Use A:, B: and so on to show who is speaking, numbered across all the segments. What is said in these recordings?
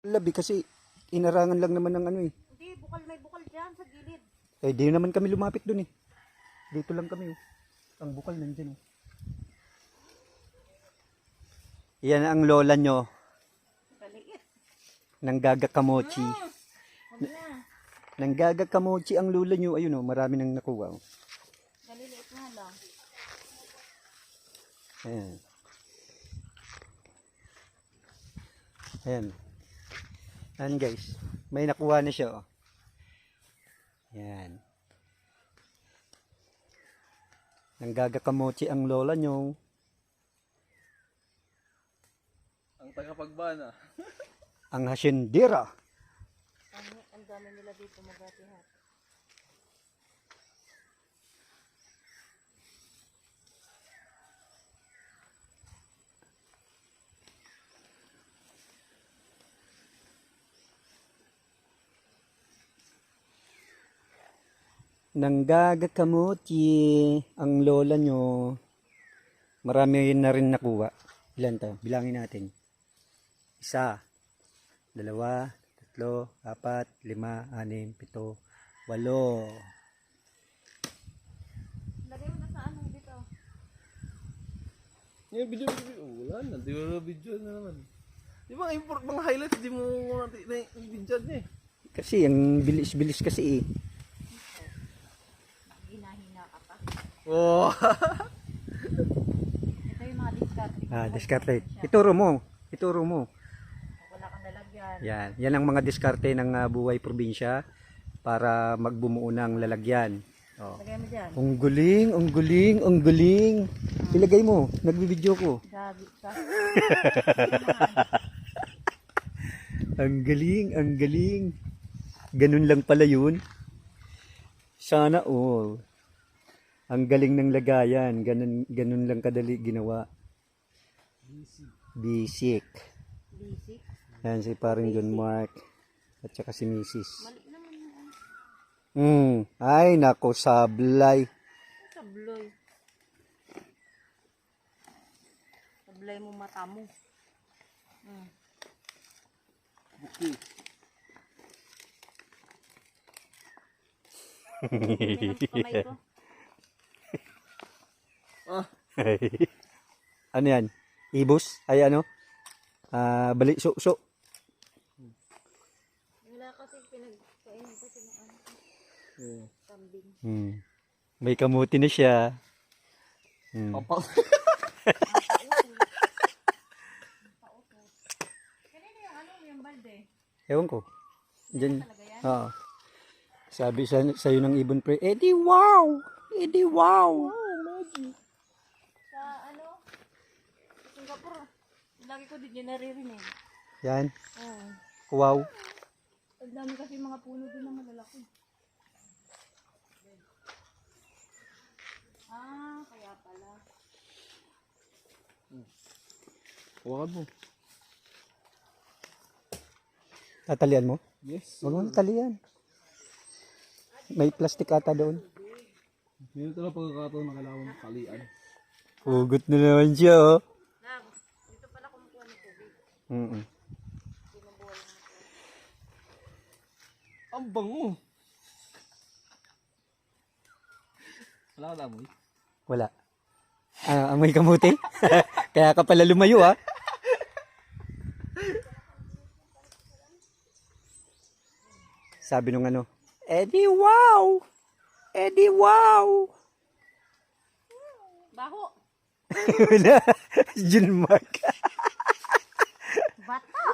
A: Labi kasi inarangan lang naman ng ano eh.
B: Hindi, may bukal dyan sa gilid.
A: Eh di naman kami lumapit dun eh. Dito lang kami oh. Ang bukal nandyan oh. Yan ang lola nyo.
B: Kaliit.
A: Nanggagakamochi.
B: Huwag na.
A: Nanggagakamochi ang lola nyo. Ayun oh, marami nang nakuha oh.
B: Galiliit nga lang.
A: Ayan. Ayan. Ayan guys. May nakuha na siya oh. Ayan. Nanggagakamochi ang lola nyo.
C: Ang tagapagbana.
A: Ang hasyendera.
B: Ang dami nila dito magatihat.
A: Nanggagakamochi ang lola nyo. Marami na rin nakuha. Ilan tayo? Bilangin natin. 1, 2, 3, 4, 5, 6, 7, 8.
B: Lagay mo na sa anong dito.
C: Yung video. Wala na. Di mo video na naman. Yung mga import, mga highlights, di mo na-video niya eh.
A: Kasi ang bilis-bilis kasi eh.
B: Hinahina ka pa.
C: Oh.
B: Ito yung mga discard.
A: Diskarte. Ituro mo. Ituro mo.
B: Wala kang lalagyan.
A: Yan. Yan ang mga diskarte ng buhay probinsya para magbumuo ng lalagyan. Oh.
B: Lagay mo dyan.
A: Ang galing, ang galing, ang galing. Ilagay mo. Nagbibideo ko.
B: Gabi ka.
A: Ang galing, ang galing. Ganun lang pala yun. Sana all. Ang galing ng lagayan. Ganun lang kadali ginawa. Basic.
B: Basic.
A: Yan si paring John Mark. At saka si Mrs.
B: Mali naman yan.
A: Ay, nako, sablay.
B: Sabloy. Sablay mo mata mo.
C: Okay.
B: Kamay ko.
C: Ah.
A: Ano yan? Ibus? Ay ano? Bali, so.
B: Wala kasi pinagkain kasi ng ano. Kambing.
A: May kamuti na siya.
C: Papak.
B: Kanina yung ano, yung balde.
A: Ewan ko. Diyan.
B: Talaga yan?
A: Oo. Sabi sa'yo ng ibon pre, Eddie wow! Eddie wow!
B: Sa ano? Sa Singapore. Lagi ko din yun naririnig.
A: Yan.
B: Oo.
A: Wow.
B: Ang dami kasi mga puno doon na malalaki. Kaya pala.
C: Huwag mo.
A: Tatalian mo?
C: Yes.
A: Huwag mo natalian. May plastic ata doon.
C: Meron talaga pagkakataon na kailangan mong kalian.
A: Hugot na naman siya oh.
B: Nag, dito pala kumukuha ng tubig. Binubuhay ng
C: Ang bango. Wala ka damoy?
A: Wala. Amoy kamuti? Kaya ka pala lumayo ah. Sabi nung ano, Eddie wow! Eddie wow!
B: baho.
A: Wala. John Mark.
B: Bata.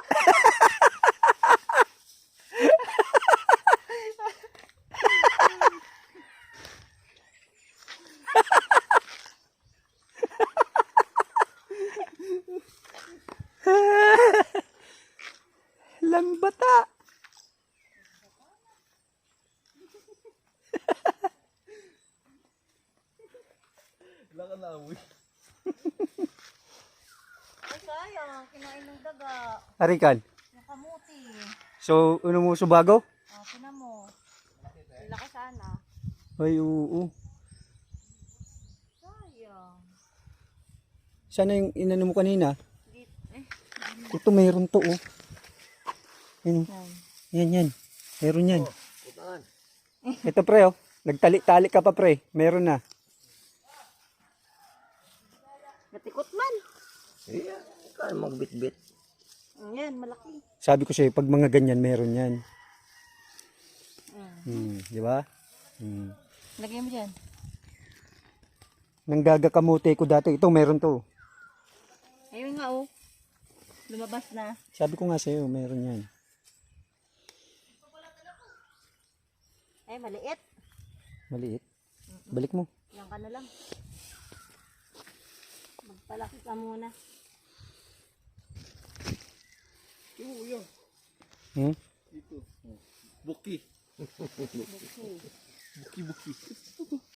A: Lang bata.
C: Wala ka damoy.
B: Ay sayang, kinain ng daga.
A: Arikan.
B: Yung kamuti.
A: So, ano mo subago?
B: Tinan mo. Laki sana.
A: Ay, oo.
B: Sayang.
A: Sana yung inano mo kanina.
B: Dito,
A: Ito mayroon to oh. Yan.
B: Yan.
A: Yan. Meron yan.
C: Putaan.
A: Ito pre, oh. Nagtali-tali ka pa pre. Meron na.
B: Natikot man.
C: Iya, kaya magbit-bit.
B: Yan, malaki.
A: Sabi ko sa'yo, pag mga ganyan, meron yan. Di ba?
B: Lagyan mo dyan.
A: Nanggagakamote ko dati. Ito, meron to.
B: Ayun nga oh. Lumabas na.
A: Sabi ko nga sa'yo, meron yan.
B: Ay, maliit.
A: Maliit. Balik mo.
B: Yan ka na lang. Magpalaki ka muna.
C: Oo, yun.
A: Hmm?
C: Dito. Buki. Buki.